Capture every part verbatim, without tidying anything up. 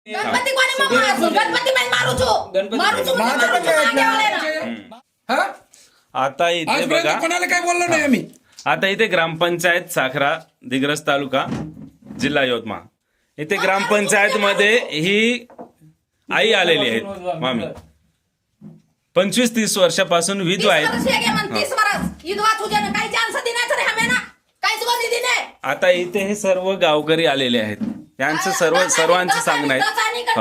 गणपती कोणी मारू गणपती मैं मारू छो मारू छो हा आता इथे आजपर्यंत बघा, कोणाला काय बोललो नाही आम्ही. आता इथे ग्रामपंचायत साखरा दिग्रस तालुका जिल्हा यवतमाळ इथे ग्रामपंचायत मध्ये ही आई आलेली आहेत मामी पंचवीस तीस वर्षापासून विधवा आहेत. आता इथे हे सर्व गावकरी आलेले आहेत. यांचं सर्व सर्वांचं सांगणं आहे.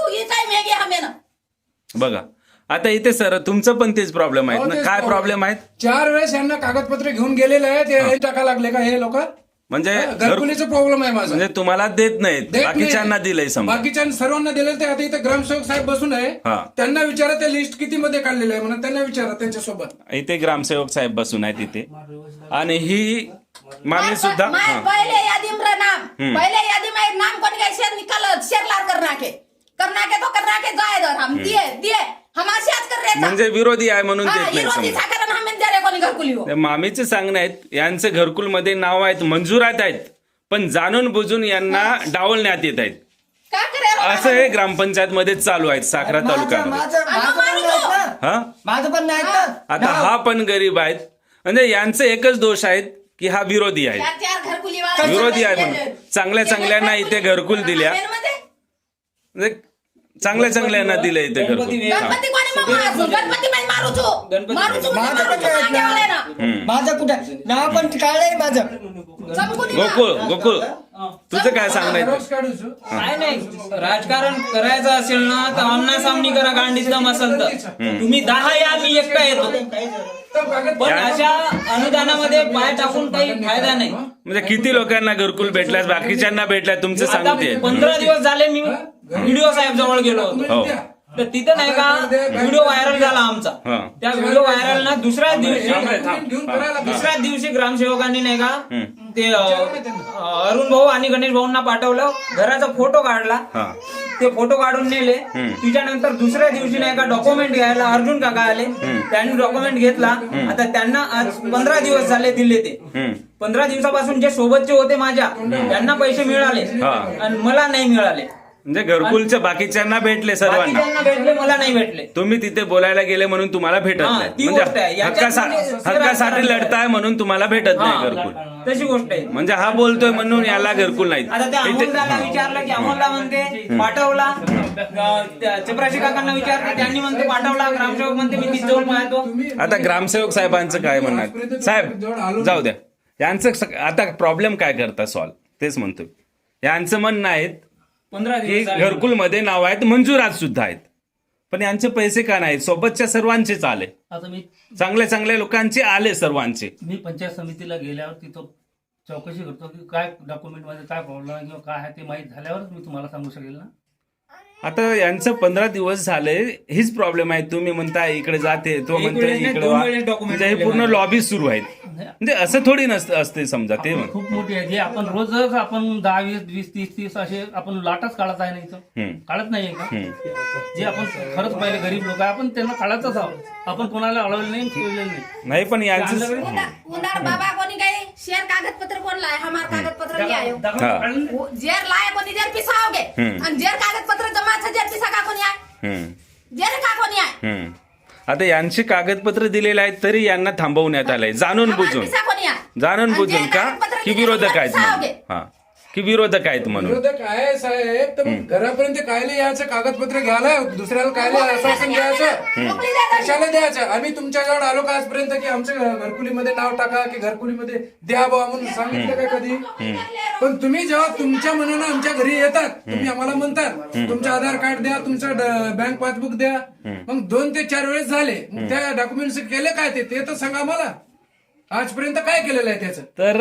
हो. बघा आता इथे सर तुमचं पण तेच प्रॉब्लेम आहेत ना, काय प्रॉब्लेम आहेत? चार वेळेस यांना कागदपत्र घेऊन गेलेले आहेत. हे टाका लागले का हे लोक? म्हणजे घरकुलीचा प्रॉब्लेम आहे माझा. म्हणजे तुम्हाला देत नाहीत, देत नाही. बाकीच्यांना दिलंय समजा. बाकीच्या सर्वांना दिलेलं ते आता इथे ग्रामसेवक साहेब बसून आहे. हा. त्यांना विचारा ते लिस्ट किती मध्ये काढलेलं आहे म्हणून त्यांना विचारा त्यांच्या सोबत. इथे ग्रामसेवक साहेब बसून आहेत इथे आणि ही मामी सुद्धा हा. पहले यादी में नाम पहले यादी में नाम कौन गए शेर निकल शेर लार करना के करना के तो करना के जाए दर हम दिए दिए हम आशाच कर रहे म्हणजे विरोधी आहे म्हणून देत नाही विरोधी समजा. साखर हम दे रे कोणी घरकुली हो त्या मामीचे सांगणं आहेत यांचे घरकुल मध्ये नाव आहेत, मंजुरात आहेत, पण जाणून बुजून यांना डावलण्यात येत आहेत. का करे असं हे ग्रामपंचायत मध्ये चालू आहेत साखरा तालुक्यामध्ये. माझं माझं पण नाही ना. हा माझं पण नाही ना. आता हा पण गरीब आहेत. म्हणजे यांचे एकच दोष आहेत की हा विरोधी आहे, चार चार घरकुली वाले विरोधी आहे म्हणून चांगल्या चांगल्यांना इथे घरकुल दिल्या, म्हणजे चांगल्या चांगल्यांना दिले इथे घरकुल. गणपती कोणी मारू गणपती मैं मारू छो मारू छो माझं पण नाही ना. माझं कुठं नाव पण काढलंय माझं. गोकुळ गोकुळ तुझं काय सांगणं आहे? रोज काढू छो. काय नाही राजकारण करायचं असेल ना तर आमना सामनी करा. गांडीच दम असेल तर तुम्ही दहा या मी एकटा येतो. पण अशा अनुदानामध्ये पाय टाकून काही फायदा नाही. म्हणजे किती लोकांना घरकुल भेटल्यास बाकीच्यांना भेटल्यास तुमचं आता सांगते. पंधरा दिवस झाले मी व्हिडिओ साहेब जवळ गेलो होतो. हो तर तिथं नाही का व्हिडिओ व्हायरल झाला आमचा. हा. त्या व्हिडिओ व्हायरल ना दुसऱ्या दिवशी घेऊन करायला दुसऱ्या दिवशी ग्रामसेवकांनी नाही का ते अ, अरुण भाऊ आणि गणेश भाऊंना पाठवलं. घराचा फोटो काढला, हा ते फोटो काढून नेले. त्याच्यानंतर दुसऱ्या दिवशी नाही का डॉक्युमेंट घ्यायला अर्जुन काका आले. त्यांनी डॉक्युमेंट घेतला. आता त्यांना आज पंधरा दिवस झाले दिले. ते हम्म. पंधरा दिवसापासून जे सोबतचे होते माझ्या त्यांना पैसे मिळाले हा. आणि मला नाही मिळाले. म्हणजे घरकुलच्या बाकीच्यांना भेटले सर्वांना, बाकीच्यांना भेटले, मला नाही भेटले. तुम्ही तिथे बोलायला गेले म्हणून तुम्हाला भेटत हा, नाही. ती गोष्ट आहे. म्हणजे याच्यात हक्कासा- म्हणजे हक्कासाठी लढताय म्हणून तुम्हाला भेटत नाही हा, घरकुल. तशी गोष्ट आहे. म्हणजे हा बोलतोय म्हणून याला घरकुल नाही. आता त्या इथे- अमोलदाला विचारलं की अमोलदा म्हणते पाठवला. अं, त्या चपराशी काकांना विचारलं त्यांनी म्हणते पाठवला. ग्रामसेवक म्हणते मी तिथे जाऊन पाहतो. आता ग्रामसेवक साहेबांचं काय म्हणणार? साहेब जाऊ द्या, यांचं स- आता प्रॉब्लेम काय करता सॉल्व तेच म्हणतोय. यांचं म्हणणं आहे पंधरा की दिवस झाले. घरकुल मध्ये नाव आहेत, मंजुरात सुद्धा आहेत, पण यांचे पैसे का नाहीत? सोबतच्या सर्वांचेच आले, आता मी चांगल्या चांगल्या लोकांचे आले सर्वांचे. मी पंचायत समितीला गेल्यावर तिथं चौकशी करतो की काय डॉक्युमेंट मध्ये काय प्रॉब्लेम आहे किंवा काय आहे ते माहीत झाल्यावरच मी तुम्हाला सांगू शकेल ना. आता यांचं पंधरा दिवस झाले हीच प्रॉब्लेम आहे. तुम्ही म्हणताय इकडे जाते, तो एक म्हणतोय वेळेस नाही, इकडे दोन वा. वेळेस document म्हणजे हे दिले पूर्ण मला. लॉबी सुरू आहेत. म्हणजे असं थोडी नसतं असते समजा ते म्हण. खूप मोठी आहे जे आपण रोजच आपण दहा वीस वीस तीस तीस असे आपण लाटच काढत आहे ना इथं. हम्म. काढत नाहीये का? हम्म. जे आपण खरंच पहिले गरीब लोक आहे आपण त्यांना काढतच आहोत. आपण कोणाला अडवलं नाही ठेवलेलं नाही. नाही पण यांचं उंदार बाबा कोणी गए शेर कागज पत्र कौन लाए हमार कागज पत्र ले आयो दाखला हा. काढलं नाही. वो जेर लाए कोणी जेर पिसाओगे हम्म. आणि जेर कागज पत्र जमा छ जेर पिसा का कोणी आए हम्म. जेर का कोणी आए हम्म. आता यांची कागदपत्र दिलेले आहेत तरी यांना थांबवण्यात आलंय जाणून हमार बुजून. पिसा कोणी आए जाणून आणि बुजून जे का कागदपत्र की दिले विरोधक तुम्हाला आहेत म्हणून. पिसाओगे. हा की विरोधक आहेत म्हणून. विरोधक आहे साहेब, तर मग घरापर्यंत कायले यायचं कागदपत्र घ्यायला दुसऱ्याला कायले आश्वासन द्यायचं? मोकळी द्या कशाला द्यायचं? आम्ही तुमच्याजवळ आलो का आजपर्यंत की आमच्या घरकुलीमध्ये नाव टाका की घरकुलीमध्ये द्या बा म्हणून सांगितलं का कधी? पण तुम्ही जेव्हा तुमच्या मनानं आमच्या घरी येतात, तुम्ही आम्हाला म्हणतात तुमचं आधार कार्ड द्या, तुमचं बँक पासबुक द्या. मग दोन ते चार वेळेस झाले, मग त्या डॉक्युमेंट्स केले काय ते ते तर सांगा मला. आजपर्यंत काय केलेलं आहे त्याचं? तर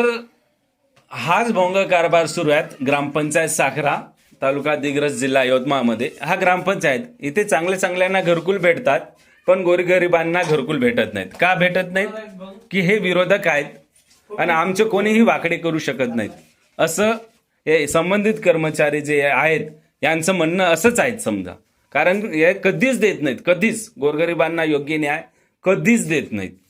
हाच भोंग कारभार सुरू आहेत ग्रामपंचायत साखरा तालुका दिग्रस जिल्हा यवतमाळमध्ये. हा ग्रामपंचायत इथे चांगल्या चांगल्यांना घरकुल भेटतात पण गोरगरिबांना घरकुल भेटत नाहीत. का भेटत नाहीत? की हे विरोधक आहेत आणि आमचे कोणीही वाकडे करू शकत नाहीत असं हे संबंधित कर्मचारी जे आहेत यांचं म्हणणं असंच आहे समजा. कारण हे कधीच देत नाहीत, कधीच गोरगरिबांना योग्य न्याय कधीच देत नाहीत.